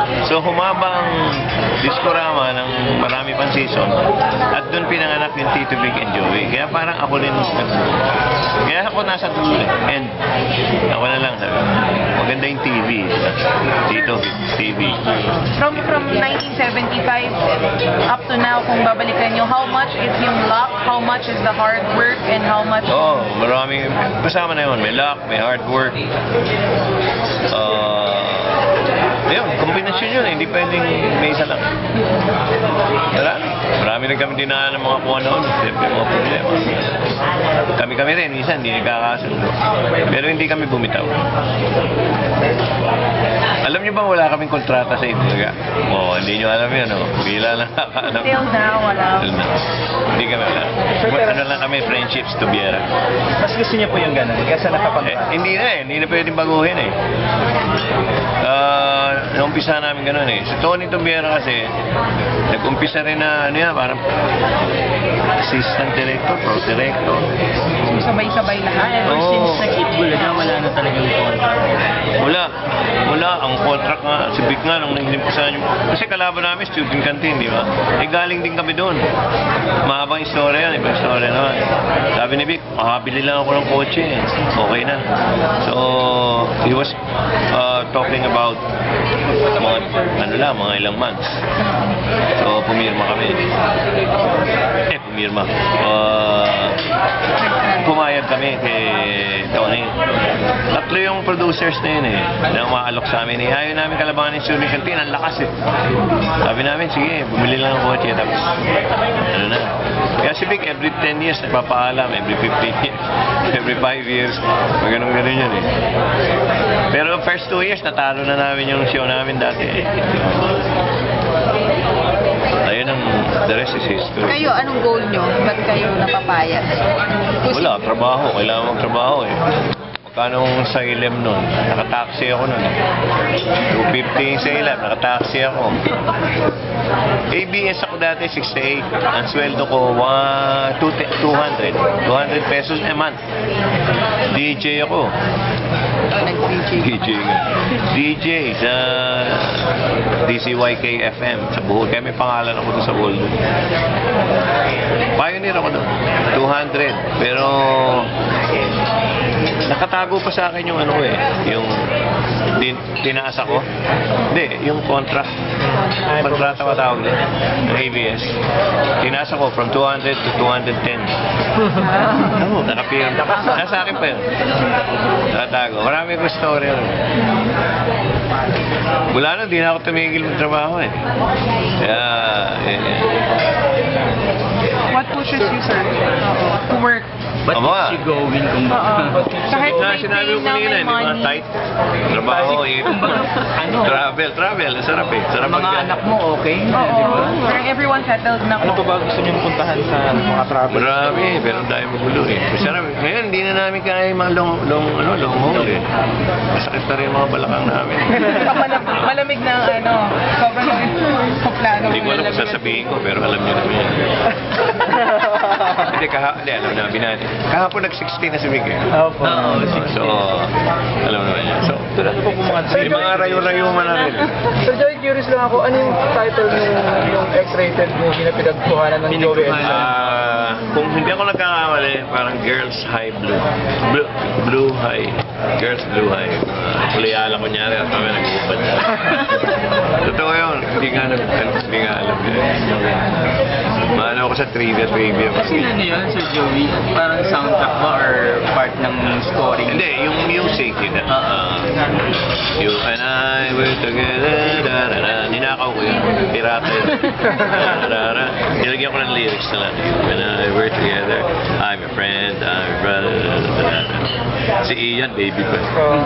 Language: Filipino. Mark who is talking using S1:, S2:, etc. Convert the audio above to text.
S1: So humaba ang Discorama ng marami pang season at doon pinanganak yung Tito Vic and Joey. Kaya parang ako rin kaya ako nasa dulo and ako na lang sabi, maganda yung TV. Tito Vic TV.
S2: From 1975 up to now, kung babalikan nyo, how much is yung luck, how much is the hard work, and how much...
S1: Oh, marami. Kasama na yun. May luck, may hard work. Yun, kombinasyon yun. Hindi pwedeng may isa lang. Marami rin kami dinaan ng mga kuha noon. Siyempre, mga problema. Kami rin, minsan, hindi nagkakasundo. Pero hindi kami bumitaw. Alam niyo bang wala kaming kontrata sa Itbulaga? Oo, hindi niyo alam yun, no? Bila lang nakakaanap.
S2: Till now, wala.
S1: Hindi kami wala. Ano lang kami, friendships to Biera.
S3: Mas gusto niya po yung gano'n, kaysa nakakontrata.
S1: Hindi na hindi na pwedeng baguhin eh. Naumpisa namin gano'n eh. Si Tony Tobiera kasi, nag-umpisa rin na, ano yan, parang assistant director, pro director.
S2: Sabay-sabay lahat.
S3: Ever since nag-Itbulaga, wala na talagang contract.
S1: Wala. Ang contract nga, si Vic nga, nung nagsimpusan yung... Kasi kalaban namin, student canteen, di ba? Eh, galing din kami doon. Mahabang istorya yan, ibang istorya naman. Sabi ni Vic, makabili lang ako ng kotse. Okay na. So, he was talking about mga ilang months. So, pumirma kami. Pumayag kami kay Tony. Tatlo yung producers na yun eh, na umaalok sa amin eh. Ayaw namin kalabangan yung Student Canteen, ang lakas eh. Sabi namin, sige, bumili lang ng kotse. Tapos, ano na. Kaya si Vic, every 10 years, nagpapaalam. Every 15 years, every 5 years. Ganun yun eh. Pero first 2 years, natalo na namin yung show namin dati eh. Ayun ang, the rest is history.
S2: Kayo, anong goal nyo? Ba't kayo napapayag?
S1: Wala, trabaho. Kailangan magtrabaho eh. Magkano sa Ilem nun? Nakataxi ako nun. 250 sa Ilem, nakataxi ako. ABS ako dati, 68. Ang sweldo ko, 200 pesos a month. DJ ako. DJ sa DCYK FM sa Bohol. Kaya may pangalan ako doon sa Bohol. Pioneer ako doon. 200. Pero nakatago pa sa akin yung ano ko eh. Yung tinaas ako. Hindi, yung contract. Kontrata matawag din. Ng ABS. Tinaas ako from 200 to 210. Nakapirm. Nasa akin pa yun. Nakatago. Marami ko story yun. Wala na, di na ako tumigil magtrabaho eh. Kaya,
S2: What pushes you, sir, to work?
S3: But is she going kung
S2: Kahit may
S1: sinabi ko
S2: pain na
S1: kanina,
S2: may
S1: di ba?
S2: money.
S1: Tight. Trabaho, travel. Sarap eh. Sarap
S3: mga anak mo, okay na, di ba?
S2: Parang everyone settled na
S3: Ano pa ba gusto niyong puntahan sa mga travel?
S1: Marami, pero dahil magulo eh. Sarap. Ngayon, hindi na namin kaya yung mga long haul eh. Masakit na rin yung mga balakang namin.
S2: Malamig na sobrang plano.
S1: Hindi ko alam kung sasabihin ko, pero alam niyo naman yan. Hindi, alam na, binani. Kahapon nag-16 na si Vic eh.
S3: Opo.
S1: So, alam naman yan. So,
S3: Tulad po po mga
S1: may mga rayo-rayuman na rin.
S4: Sir Joey, curious lang ako, ano yung title yung X-rated movie na pinagkuhanan ng Joey Elsa?
S1: Kung hindi ako nagkakamali, parang Girls High Blue. Blue High. Girls Blue High. Kulayala ko nyari at kami nag-uupad na. Totoo yun. Hindi nga alam yun. Maano ako sa trivia.
S3: Kasi ano yun, Sir Joey? Parang soundtrack ba or part ng story?
S1: Hindi, yung music yun. You and I were together. Ninakaw ko yun. Pirata yun. Nilagyan ko ng lyrics na lang. You and I were together. I'm your friend. I'm your brother. Si Ian, baby ko.